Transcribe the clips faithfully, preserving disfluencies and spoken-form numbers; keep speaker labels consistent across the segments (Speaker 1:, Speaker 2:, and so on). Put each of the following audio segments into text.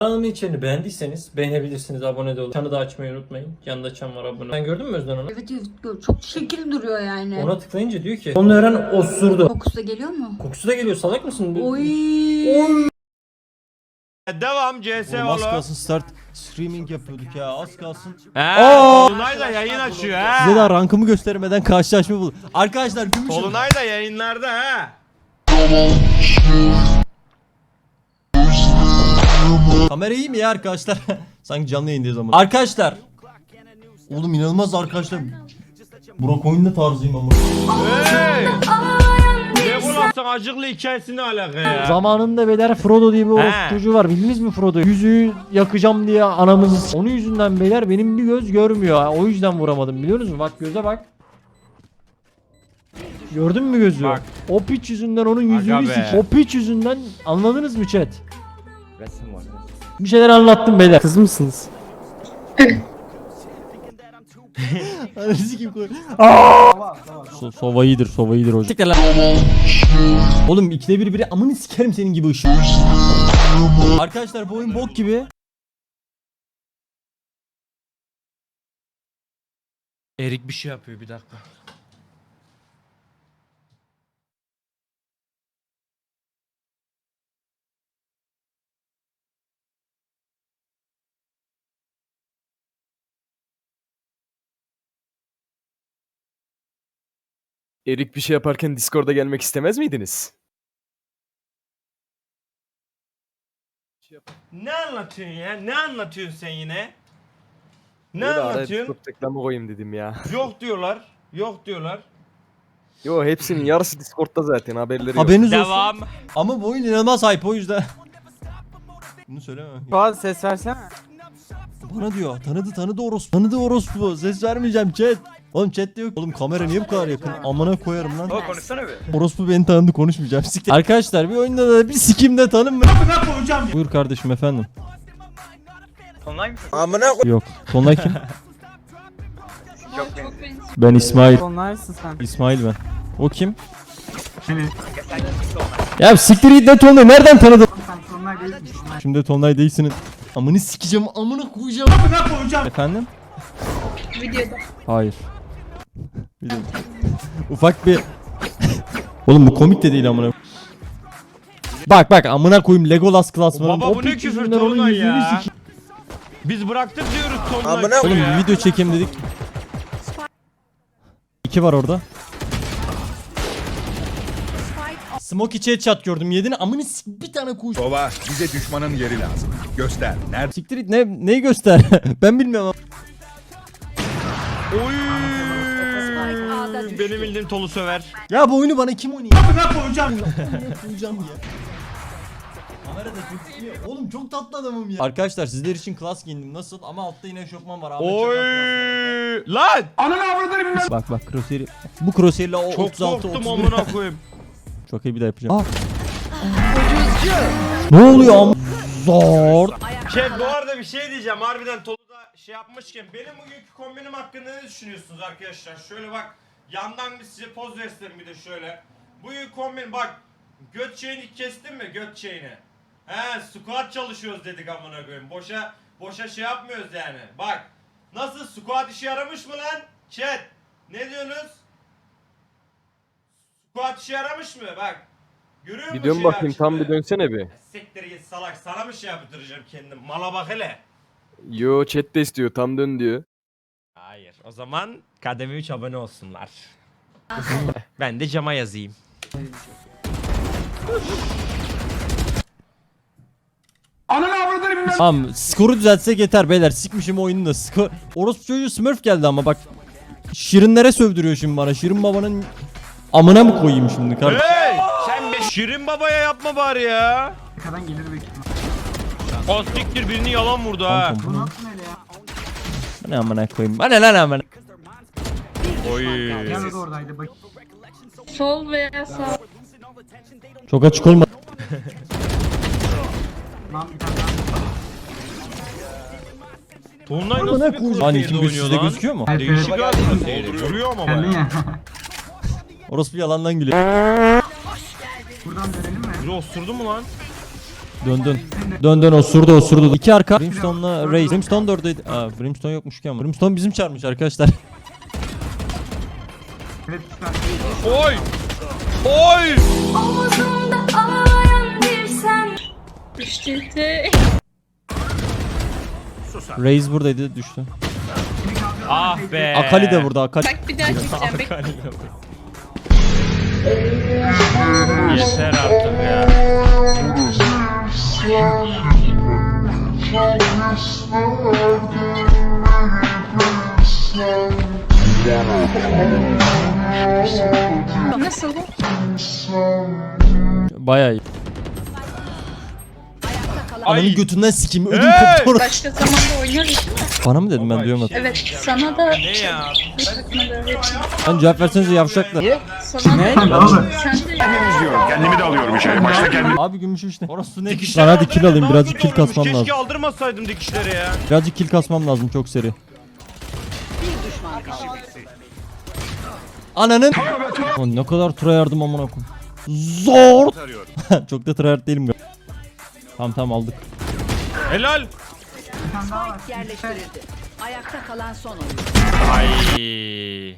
Speaker 1: Kanalımın içeriğini beğendiyseniz beğenebilirsiniz, abone de olun. Çanı da açmayı unutmayın. Yanında çan var, abone. Sen gördün mü Özden onu?
Speaker 2: Evet evet, çok şekil duruyor yani.
Speaker 1: Ona tıklayınca diyor ki onu öğren osurdu.
Speaker 2: Kokusu da geliyor mu?
Speaker 1: Kokusu da geliyor, salak mısın?
Speaker 2: Oy.
Speaker 1: Oy.
Speaker 3: Devam C S
Speaker 4: Oğlum az
Speaker 3: oğlum.
Speaker 4: kalsın start streaming yapıyorduk ya, az kalsın.
Speaker 3: He.
Speaker 4: Aa!
Speaker 3: Tolunay da yayın açıyor he.
Speaker 4: Size daha rankımı göstermeden karşılaşma buldum. Arkadaşlar gümüşüm.
Speaker 3: Tolunay da yayınlarda he.
Speaker 4: Kamera iyi mi ya arkadaşlar? Sanki canlı yayındayız ama. Arkadaşlar. Oğlum inanılmaz arkadaşlar. Burak oyunda tarzıyım ama.
Speaker 3: Hey. Legolas'ın acıklı hikayesine alaka ya.
Speaker 5: Zamanında beyler Frodo diye bir orospu
Speaker 3: He.
Speaker 5: çocuğu var. Bildiniz mi Frodo? Yüzüğü yakacağım diye anamız. Onun yüzünden beyler benim bir göz görmüyor. O yüzden vuramadım, biliyor musunuz? Bak göze bak. Gördün mü gözü?
Speaker 3: Bak.
Speaker 5: O piç yüzünden onun yüzüğünü
Speaker 3: Aga be.
Speaker 5: sik. O piç yüzünden, anladınız mı chat? Bir şeyler anlattım beyler. Kız mısınız?
Speaker 4: Analizi kim koy? So sova iyidir, sova iyidir hocam. Siktir lan. Oğlum ikide bir biri amını sikerim senin gibi ışık. Arkadaşlar bu oyun bok gibi.
Speaker 3: Erik bir şey yapıyor, bir dakika.
Speaker 6: Erik bir şey yaparken Discord'a gelmek istemez miydiniz?
Speaker 3: Ne anlatıyorsun ya? Ne anlatıyorsun sen yine? Ne
Speaker 6: Öyle araya
Speaker 3: anlatıyorsun?
Speaker 6: Discord reklamı koyayım dedim ya.
Speaker 3: Yok diyorlar. Yok diyorlar.
Speaker 6: Yo hepsinin yarısı Discord'da zaten, haberleri yok.
Speaker 4: Haberiniz olsun.
Speaker 3: Devam.
Speaker 4: Ama bu oyun inanılmaz hype, o yüzden. Bunu söyleme.
Speaker 7: Fuat ses versene.
Speaker 4: Bana diyor tanıdı tanıdı orospu. Tanıdı orospu. Ses vermeyeceğim chat. Oğlum chatte yok. Oğlum kamera niye bu kadar yakın? Amına koyarım lan.
Speaker 3: O konuşsana bir.
Speaker 4: Orospu beni tanıdı, konuşmayacağım. Siktir. Arkadaşlar bir oyunda da bir sikimde tanınma. Buyur kardeşim efendim.
Speaker 7: Tonlay mısın?
Speaker 4: Yok. Tonlay kim? Ben İsmail.
Speaker 7: Tonlaysın sen.
Speaker 4: İsmail ben. O kim? Ya siktir git, ne Tonlay, nereden tanıdın? Şimdi Tonlay değilsin. Amını sikeceğim, amını koyacağım. Amına koyacağım. Efendim?
Speaker 8: Videoda.
Speaker 4: Hayır. Videoda. Ufak bir... Oğlum bu komik de değil amına. Bak bak amına koyayım, Legolas klasmanı.
Speaker 3: Baba bu ne küfür Tolunay ya? Biz bıraktık diyoruz Tolunay.
Speaker 4: Oğlum bir video çekeyim dedik. İki var orada. Smoky chat chat gördüm, yedin amını sik, bir tane kuş.
Speaker 9: Baba bize düşmanın yeri lazım. Göster. Nerede?
Speaker 4: Siktir it, ne neyi göster? Ben bilmiyorum.
Speaker 3: Oy. Benim bildiğim Tolu söver.
Speaker 4: Ya bu oyunu bana kim oynuyor? Ne koyacağım ya? Ne koyacağım ya? Kamerada gözüküyor. Oğlum çok tatlı adamım ya. Arkadaşlar sizler için klas giyindim, nasıl? Ama altta yine eşofman var. Ahmet
Speaker 3: Oy.
Speaker 4: Çakar
Speaker 3: Lan.
Speaker 4: klasmanı. Bak bak crosshair'i. Bu crosshair'le o
Speaker 3: Çok
Speaker 4: otuz altı
Speaker 3: korktum
Speaker 4: otuz bir.
Speaker 3: amına koyayım.
Speaker 4: Çok iyi, bir daha yapacağım. Aa. Ne oluyor am? Zor.
Speaker 3: Şey bu arada bir şey diyeceğim, harbiden Tolu'da şey yapmışken benim bugünkü kombinim hakkında ne düşünüyorsunuz arkadaşlar? Şöyle bak, yandan bir size poz versem bir de şöyle. Bugün kombin bak, göt şeyini kestin mi, göt şeyini? He, squat çalışıyoruz dedik amına koyayım. Boşa boşa şey yapmıyoruz yani. Bak nasıl, squat işe yaramış mı lan? Chat ne diyorsunuz? Squat işe yaramış mı? Bak görüyor musun?
Speaker 6: Bir dön
Speaker 3: şey
Speaker 6: bakayım, tam
Speaker 3: açtı?
Speaker 6: bir dönsene bir.
Speaker 3: Siktir git salak, sana mı şey yaptıracağım kendim? Mala bak hele.
Speaker 6: Yo chat de istiyor, tam dön diyor.
Speaker 3: Hayır. O zaman kademe üç abone olsunlar. Ben de cama yazayım.
Speaker 4: Tamam, skoru düzeltsek yeter beyler. Sikmişim oyunu da. Skor... Orospu çocuğu Smurf geldi ama bak. Şirinlere sövdürüyor şimdi bana. Şirin babanın amına mı koyayım şimdi kardeşim?
Speaker 3: Hey! Sen be Şirin babaya yapma bari ya.
Speaker 7: Arkadan gelir büyük ihtimal.
Speaker 3: O siktir, birini yalan vurdu ha.
Speaker 4: Bu ne amına koyayım? Bana lan amına.
Speaker 3: Oy.
Speaker 7: Yanı da oradaydı bak.
Speaker 8: Sol veya sağ.
Speaker 4: Çok açık olma.
Speaker 7: Lan bir tane daha.
Speaker 3: Tolunay nasıl bir
Speaker 4: Lan
Speaker 3: crosshair'de
Speaker 4: kim
Speaker 3: oynuyor
Speaker 4: sizde
Speaker 3: lan?
Speaker 4: gözüküyor mu?
Speaker 3: Değişik abi crosshair'i. Vuruyor ama
Speaker 7: Kendin
Speaker 3: baya.
Speaker 7: ya.
Speaker 4: Orospu yalandan gülüyor.
Speaker 7: Buradan dönelim mi?
Speaker 3: Biri osurdu mu lan?
Speaker 4: Dön dön. Dön dön osurdu osurdu. İki arka. Brimstone'la Raze. Brimstone da oradaydı. Aa Brimstone yokmuş ki ama. Brimstone bizim çağırmış arkadaşlar.
Speaker 7: Evet üstten.
Speaker 3: Oy! Oy!
Speaker 8: İşte
Speaker 4: Raze buradaydı düştü.
Speaker 3: Ah be!
Speaker 4: Akali de burada Akali.
Speaker 8: bak bir daha çekeceğim. Bek-
Speaker 3: Yeter artık ya.
Speaker 8: Nasıl bu?
Speaker 4: Bayağı iyi. Ananın götünden sikeyim. Ödüm
Speaker 3: Hey!
Speaker 4: koptu orada.
Speaker 8: Başka zamanda oynarız değil mi?
Speaker 4: Bana mı dedim ben duyamadım.
Speaker 8: Evet sana da
Speaker 3: Ne ya?
Speaker 8: sana da öğreteyim.
Speaker 4: Lan cevap versenize yavşaklar.
Speaker 8: Sana da
Speaker 7: Sen de oğlum.
Speaker 8: sen de
Speaker 9: Kendimi de alıyorum içeri. Başta kendimi.
Speaker 4: Abi gümüş işte. Orası ne?
Speaker 3: Dikişler
Speaker 4: Lan hadi kill alayım
Speaker 3: daha
Speaker 4: birazcık
Speaker 3: güzel
Speaker 4: kill
Speaker 3: olurmuş.
Speaker 4: kasmam lazım.
Speaker 3: Keşke aldırmasaydım dikişleri ya.
Speaker 4: Birazcık kill kasmam lazım çok seri. Ananın. Lan ne kadar tura yardım amına koyayım. Zor. Çok da tryhard değilim galiba. Tamam tamam aldık.
Speaker 3: Helal.
Speaker 2: Yerleştirildi. Ayakta kalan son oyun.
Speaker 3: Ay.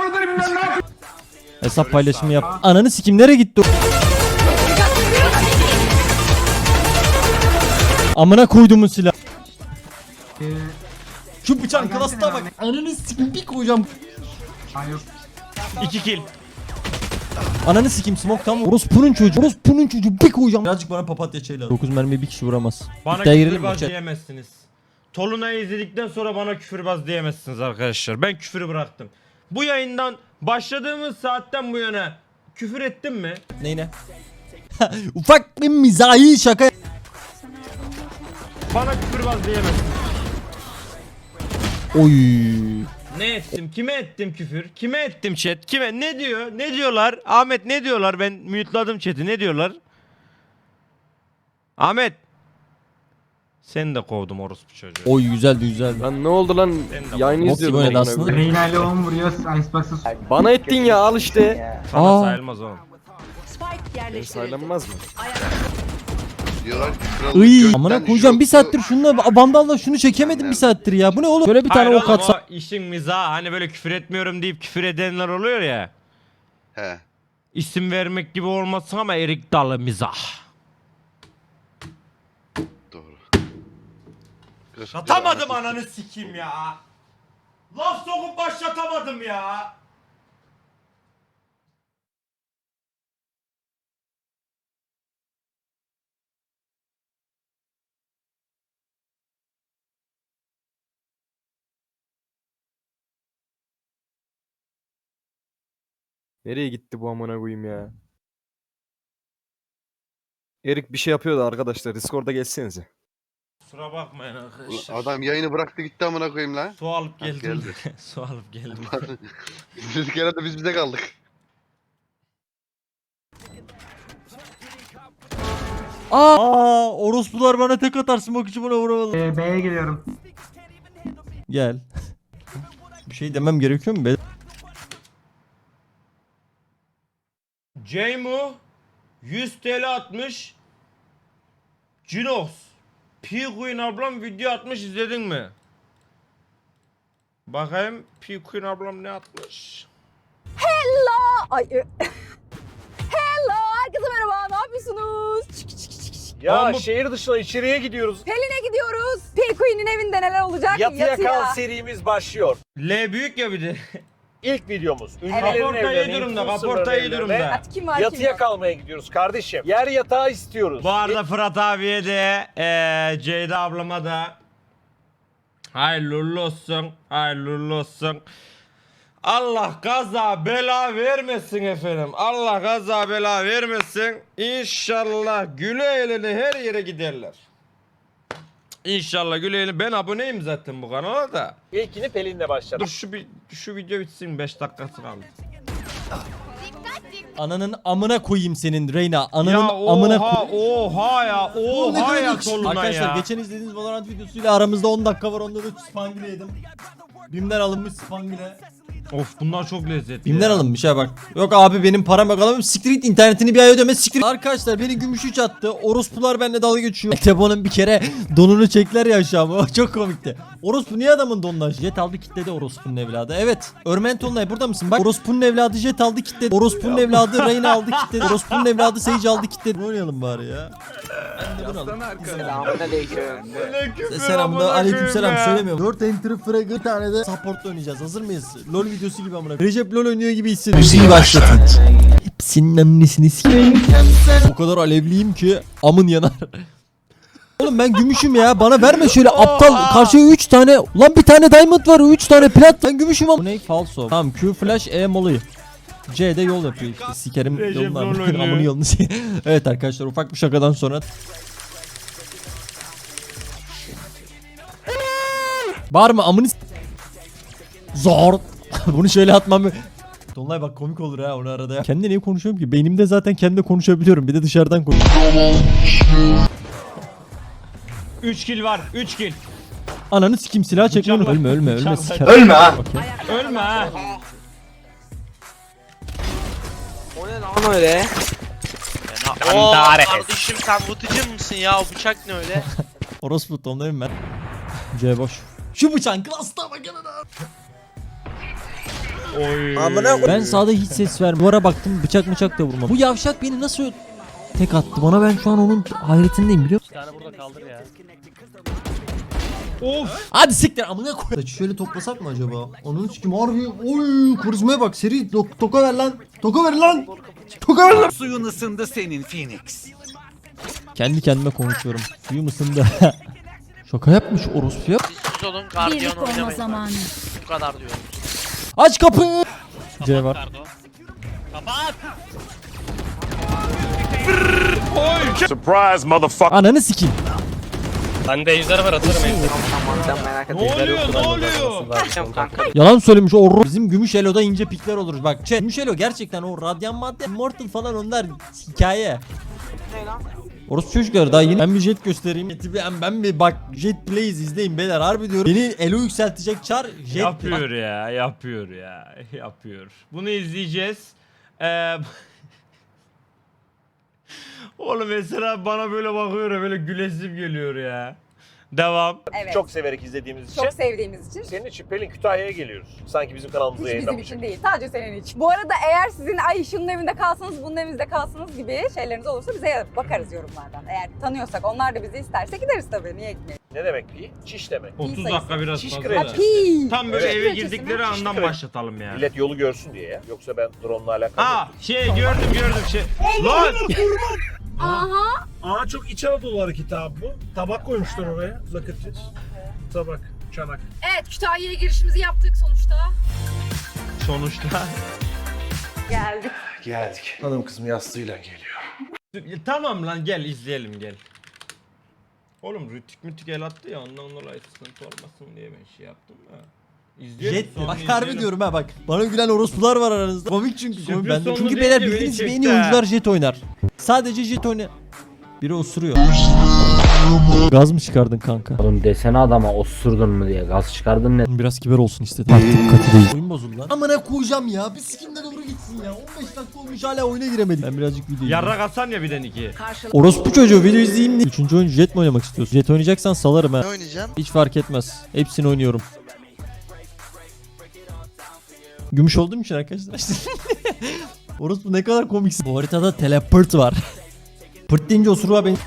Speaker 4: Hesap paylaşımı yap. Ananı sikim nereye gitti o? Amına koyduğumun silah.
Speaker 7: Ee,
Speaker 4: Şu bıçağın
Speaker 7: Ay,
Speaker 4: klasına
Speaker 7: gelsene
Speaker 4: bak.
Speaker 7: abi.
Speaker 4: Ananı sikim bir koyacağım.
Speaker 7: ay yok.
Speaker 3: İki kill.
Speaker 4: Ananı sikim smoke tam. Orospu'nun çocuğu. Orospu'nun çocuğu bir koyacağım. Birazcık bana papatya çay lazım. dokuz mermiye bir kişi vuramaz.
Speaker 3: Bana
Speaker 4: İddiaya girelim mi?
Speaker 3: küfürbaz
Speaker 4: Chat?
Speaker 3: diyemezsiniz. Tolunay'ı izledikten sonra bana küfürbaz diyemezsiniz arkadaşlar. Ben küfürü bıraktım. Bu yayından başladığımız saatten bu yana küfür ettim mi?
Speaker 4: Neyine? Ufak bir mizahi şaka.
Speaker 3: Bana küfürbaz diyemezsiniz.
Speaker 4: Oy.
Speaker 3: Ne ettim? Kime ettim küfür? Kime ettim chat? Kime? Ne diyor? Ne diyorlar? Ahmet ne diyorlar? Ben mute'ladım chat'i. Ne diyorlar? Ahmet. Seni de kovdum orospu çocuğu.
Speaker 4: Oy güzeldi güzeldi.
Speaker 6: Lan ne oldu lan? Yayını
Speaker 4: Nasıl
Speaker 6: izliyordum.
Speaker 4: oynadı
Speaker 6: amına
Speaker 4: aslında?
Speaker 6: koyayım.
Speaker 7: Reyna ile on vuruyor. Icebox'ı
Speaker 6: Bana ettin ya al işte.
Speaker 3: Sana
Speaker 4: Aa.
Speaker 3: sayılmaz oğlum.
Speaker 2: Spike
Speaker 6: Benim
Speaker 2: yerleştirildi.
Speaker 6: saylanmaz mı?
Speaker 10: Diyorlar ki krallık
Speaker 4: Iy.
Speaker 10: gökten
Speaker 4: Amına koyacağım bir
Speaker 10: yoksa-
Speaker 4: saattir şununla bandalla şunu çekemedim bir saattir ya. Bu ne oğlum? Böyle bir tane
Speaker 3: Hayır
Speaker 4: ok
Speaker 3: oğlum,
Speaker 4: atsa.
Speaker 3: o işin mizahı. Hani böyle küfür etmiyorum deyip küfür edenler oluyor ya.
Speaker 10: He.
Speaker 3: İsim vermek gibi olmasın ama erik dalı mizah.
Speaker 10: Doğru.
Speaker 3: Başlatamadım ananı sikeyim ya. Laf sokup başlatamadım ya.
Speaker 6: Nereye gitti bu amına koyayım ya? Erik bir şey yapıyordu arkadaşlar. Discord'a geçsenize.
Speaker 3: Kusura bakmayın arkadaşlar.
Speaker 10: Adam yayını bıraktı gitti amına koyayım lan.
Speaker 3: Su alıp
Speaker 10: Ha,
Speaker 3: geldim.
Speaker 10: geldi.
Speaker 3: Su alıp geldim.
Speaker 10: Dedik herhalde biz bize kaldık.
Speaker 4: Aa, orospular bana tek atar smoke içi bana vuramadı.
Speaker 7: Ee, B'ye geliyorum.
Speaker 4: Gel. Bir şey demem gerekiyor mu be?
Speaker 3: Ceymu yüz TL atmış. Cinox. P-Queen ablam video atmış, izledin mi? Bakayım P-Queen ablam ne atmış?
Speaker 2: Ay. e- Hello, herkese merhaba. Ne yapıyorsunuz? Çık, çık, çık, çık.
Speaker 11: Ya
Speaker 3: Ama-
Speaker 11: şehir dışına içeriye gidiyoruz.
Speaker 2: Pelin'e gidiyoruz. P-Queen'in evinde neler olacak?
Speaker 11: Yatıya kal serimiz başlıyor.
Speaker 3: L büyük ya bir de.
Speaker 11: İlk videomuz.
Speaker 3: Kaporta iyi durumda, kaporta iyi durumda.
Speaker 2: Hadi kim var kim
Speaker 11: Yatıya
Speaker 2: yok?
Speaker 11: kalmaya gidiyoruz kardeşim. Yer yatağı istiyoruz.
Speaker 3: Bu arada Fırat abiye de eee Ceyda ablama da hayırlı uğurlu olsun, hayırlı uğurlu olsun. Allah kaza bela vermesin efendim. Allah kaza bela vermesin. İnşallah güle eğlene her yere giderler. İnşallah güle eğlene. Ben aboneyim zaten bu kanala da.
Speaker 11: İlkini Pelin'le başladık.
Speaker 3: Dur şu bir şu video bitsin, beş dakikası kaldı.
Speaker 4: Ananın amına koyayım senin Reyna. Ananın
Speaker 3: Ya
Speaker 4: amına
Speaker 3: oha
Speaker 4: koy.
Speaker 3: oha ya
Speaker 4: Oğlum ne
Speaker 3: oha ya
Speaker 4: demek?
Speaker 3: soluna
Speaker 4: Arkadaşlar
Speaker 3: ya.
Speaker 4: geçen izlediğiniz Valorant videosuyla aramızda on dakika var, onda da spangile yedim. Bim'den alınmış spangile.
Speaker 3: Of bunlar çok lezzetli.
Speaker 4: Bimden
Speaker 3: ya.
Speaker 4: alınmış ha bak. Yok abi benim param yok alamam. Siktir git internetini bir ay ödeme siktir. Arkadaşlar beni gümüş üç attı. Orospular benimle dalga geçiyor. Tebo'nun bir kere donunu çekler ya aşağı. O çok komikti. Orospu niye adamın donundan? Jet aldı kitledi orospunun evladı. Evet. Örmen Tonlay burada mısın? Bak orospunun evladı Jet aldı kitledi. Orospunun evladı Reyna aldı kitledi. Orospunun evladı Sage aldı kitledi. Ne oynayalım bari ya? Ben de bunu alayım. Selamünaleyküm. Aleykümselam söylemiyorum. dört enter fragı bir tane de support'la oynayacağız. Hazır mıyız? LoL videosu gibi amına. Recep LoL oynuyor gibi hissediyorum. Müziği başlatın. Hepsinin annesini s**eyim. O kadar alevliyim ki amın yanar. Oğlum ben gümüşüm ya. Bana verme şöyle aptal. Karşıya üç tane. Lan bir tane diamond var. üç tane plat. Ben gümüşüm ama. Bu ne? Falso. Tamam Q flash E molly. C'de yol yapıyor işte. Sikerim
Speaker 3: Recep
Speaker 4: yolunu
Speaker 3: LoL
Speaker 4: amın
Speaker 3: oynuyor.
Speaker 4: amını yolunu. Evet arkadaşlar ufak bir şakadan sonra. Var mı amını s- Zor. Bunu şöyle atmam. Dolunay bak komik olur ha onu arada ya. Kendi niye konuşuyorum ki? Beynimde zaten kendi konuşabiliyorum. Bir de dışarıdan konuşuyorum.
Speaker 3: üç kill var. üç kill.
Speaker 4: Ananı sikim silah çekme onu.
Speaker 3: Bıçakla-
Speaker 4: Ölme ölme ölme
Speaker 3: bıçakla-
Speaker 4: siker.
Speaker 3: Ölme
Speaker 4: ha.
Speaker 3: Ölme ha.
Speaker 11: Kardeşim sen vutucu musun ya? O bıçak ne öyle?
Speaker 4: Orospu tonlayım ben. C boş. Şu bıçağın klasta bakın
Speaker 3: Oy.
Speaker 4: Ben sağda hiç ses vermiyorum. Duvara baktım bıçak bıçak da vurmam. Bu yavşak beni nasıl tek attı bana, ben şu an onun hayretindeyim biliyor musun?
Speaker 5: Bir tane burada kaldır ya.
Speaker 3: Of.
Speaker 4: Hadi siktir amına koy. Şöyle toplasak mı acaba? Onun sikim harbi. Oy karizmaya bak seri to- toka ver lan. Toka ver lan. Toka ver lan.
Speaker 11: Suyun ısındı senin Phoenix.
Speaker 4: Kendi kendime konuşuyorum. Suyum ısındı. Şaka yapmış orospu ya.
Speaker 11: Siz olun gardiyan oynamayın.
Speaker 8: zamanı.
Speaker 11: Bu kadar diyorum.
Speaker 4: Aç kapıyı. C var.
Speaker 9: Surprise motherfucker.
Speaker 4: Ananı sikeyim.
Speaker 5: Bende ejder var atarım ejder.
Speaker 3: Ne oluyor? Ne oluyor?
Speaker 4: Yalan söylemiş o ro- bizim gümüş eloda ince pikler olur. Bak chat, gümüş elo gerçekten o radyan madde immortal falan onlar hikaye. Orası çocuklar daha yeni. Ben bir jet göstereyim. Jet'i bir- Ben, ben bir bak Jet Blaze izleyin beyler harbi diyorum. Beni elo yükseltecek çar jet.
Speaker 3: Yapıyor ya, yapıyor ya, yapıyor. Bunu izleyeceğiz. Ee, Oğlum mesela bana böyle bakıyor ya, böyle gülesim geliyor ya. Devam.
Speaker 2: Evet.
Speaker 11: Çok severek izlediğimiz için.
Speaker 2: Çok sevdiğimiz için.
Speaker 11: Senin için Pelin Kütahya'ya geliyoruz. Sanki bizim kanalımızda
Speaker 2: Hiç bizim
Speaker 11: yayınlamış.
Speaker 2: için değil. Sadece senin için. Bu arada eğer sizin ay şunun evinde kalsanız bunun evinde kalsanız gibi şeyleriniz olursa bize bakarız yorumlardan. Eğer tanıyorsak onlar da bizi isterse gideriz tabii. Niye gitmeyelim?
Speaker 11: Ne demek pi? Çiş demek.
Speaker 3: otuz
Speaker 2: sayısı.
Speaker 3: dakika biraz
Speaker 11: Şiş
Speaker 3: fazla.
Speaker 11: kraliçesi.
Speaker 3: da.
Speaker 2: Pi.
Speaker 3: Tam böyle
Speaker 11: Evet.
Speaker 3: eve girdikleri
Speaker 11: Şiş
Speaker 3: andan
Speaker 11: kraliçesi.
Speaker 3: başlatalım yani.
Speaker 11: Millet yolu görsün diye ya. Yoksa ben drone'la alakalı.
Speaker 3: Aa şey gördüm gördüm şey. Lan!
Speaker 2: Aha.
Speaker 11: Aa çok İç Anadolu hareketi abi bu. Tabak koymuşlar oraya. Lakıtçı. Tabak, çanak.
Speaker 2: Evet Kütahya'ya girişimizi yaptık sonuçta.
Speaker 3: Sonuçta.
Speaker 2: Geldik.
Speaker 11: Geldik. Hanım kızım yastığıyla geliyor.
Speaker 3: Tamam lan gel izleyelim gel. Oğlum rütük mütük el attı ya ondan dolayı sıkıntı olmasın diye ben şey yaptım da. İzleyelim
Speaker 4: Jet
Speaker 3: sonra
Speaker 4: bak
Speaker 3: izleyelim.
Speaker 4: harbi diyorum ha bak. Bana gülen orospular var aranızda. Komik çünkü.
Speaker 3: Sürpriz
Speaker 4: Komik. Ben de.
Speaker 3: sonu
Speaker 4: Çünkü
Speaker 3: deyince
Speaker 4: beyler
Speaker 3: beni
Speaker 4: bildiğiniz gibi en
Speaker 3: çekti
Speaker 4: iyi
Speaker 3: ha.
Speaker 4: oyuncular jet oynar. Sadece jet oynar. Biri osuruyor. Gaz mı çıkardın kanka?
Speaker 5: Oğlum desene adama osurdun mu diye gaz çıkardın ne?
Speaker 4: Biraz kibar olsun istedim. Artık katı değil. Oyun bozuldu lan. Amına koyacağım ya. Bir sikimde doğru gitsin ya. on beş dakika olmuş hala oyuna giremedim. Ben birazcık video
Speaker 3: Yarrak Hasan ya birden iki.
Speaker 4: Orospu çocuğu video izleyeyim diye. Üçüncü oyuncu jet mi oynamak istiyorsun? Jet oynayacaksan salarım ha.
Speaker 10: Ne oynayacağım?
Speaker 4: Hiç fark etmez. Hepsini oynuyorum. Gümüş olduğum için arkadaşlar. Orospu ne kadar komiksin. Bu haritada teleport var. Pırt deyince osuruğa ben...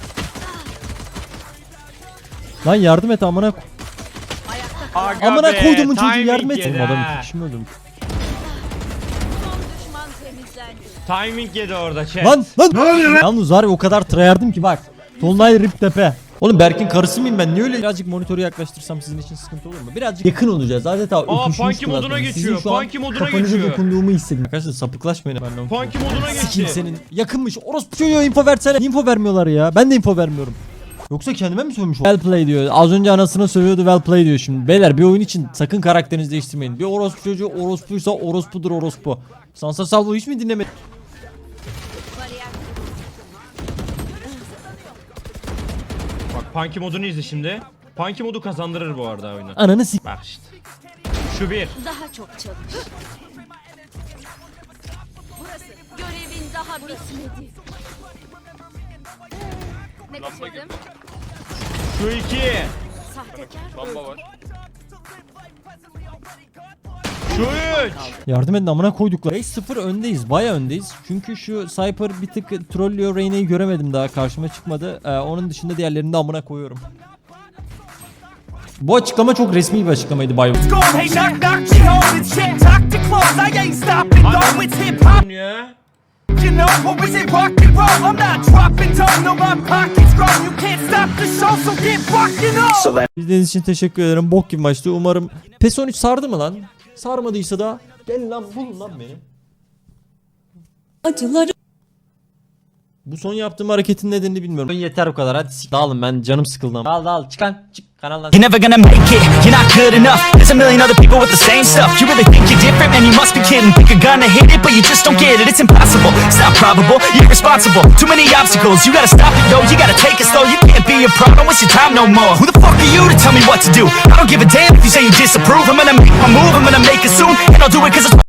Speaker 4: Lan yardım et amına ko-
Speaker 3: Aga
Speaker 4: amına
Speaker 3: be,
Speaker 4: koyduğumun çocuğu
Speaker 3: timing
Speaker 4: yardım et.
Speaker 3: yedi
Speaker 4: Oğlum adam
Speaker 3: ha.
Speaker 4: iki kişi mi öldüm?
Speaker 3: Timing yedi orada chat.
Speaker 4: Lan lan. Ne oluyor lan? Yalnız var ya o kadar tryhardım ki bak. Tonlay rip tepe. Oğlum Berk'in karısı mıyım ben? Niye öyle? Birazcık monitörü yaklaştırsam sizin için sıkıntı olur mu? Birazcık yakın olacağız. Adeta
Speaker 3: Aa,
Speaker 4: öpüşmüştüm
Speaker 3: Funky moduna
Speaker 4: zaten. Sizin
Speaker 3: geçiyor,
Speaker 4: şu an
Speaker 3: Funky moduna
Speaker 4: kafanıza
Speaker 3: geçiyor.
Speaker 4: dokunduğumu hissedin. Arkadaşlar sapıklaşmayın. Ben
Speaker 3: Funky moduna
Speaker 4: Sikeyim
Speaker 3: geçti.
Speaker 4: senin. Yakınmış. Orospu çocuğu info versene. Niye info vermiyorlar ya? Ben de info vermiyorum. Yoksa kendime mi sövmüş? Well play diyor. Az önce anasına sövüyordu well play diyor şimdi. Beyler bir oyun için sakın karakterinizi değiştirmeyin. Bir orospu çocuğu orospuysa orospudur orospu. Sansa Salvo hiç mi dinlemedin?
Speaker 3: Bak Punky modunu izle şimdi. Punky modu kazandırır bu arada oyunu.
Speaker 4: Ananı sik.
Speaker 3: Bak işte.
Speaker 5: Şu bir.
Speaker 8: Daha çok çalış. Burası. Görevin daha bitmedi. Ne kaçırdım?
Speaker 5: Şu iki.
Speaker 8: Sahtekar
Speaker 9: Bomba var.
Speaker 5: Şu üç.
Speaker 4: Yardım edin amına koyduklar. beş sıfır öndeyiz. Baya öndeyiz. Çünkü şu Cypher bir tık trollüyor. Reyna'yı göremedim daha. Karşıma çıkmadı. Ee, onun dışında diğerlerini de amına koyuyorum. Bu açıklama çok resmi bir açıklamaydı Bayo.
Speaker 3: Ya.
Speaker 4: İzlediğiniz için teşekkür ederim. Bok gibi maçtı. Umarım PES on üç sardı mı lan? Sarmadıysa da gel lan bulun lan beni.
Speaker 8: acıları.
Speaker 4: Bu son yaptığım hareketin nedenini bilmiyorum. Yeter bu kadar. Hadi sik. Dağılın, ben canım sıkıldı. Dağıl dağıl çık lan. Çık kanaldan.
Speaker 12: You're never gonna make it, you're not good enough. There's a million other people with the same stuff. You really think you're different, man, you must be kidding. Think you're gonna hit it, but you just don't get it. It's impossible, it's not probable, you're irresponsible. Too many obstacles, you gotta stop it, yo. You gotta take it slow, you can't be a pro, don't waste your time no more. Who the fuck are you to tell me what to do? I don't give a damn if you say you disapprove. I'm gonna make my move, I'm gonna make it soon. And I'll do it cause it's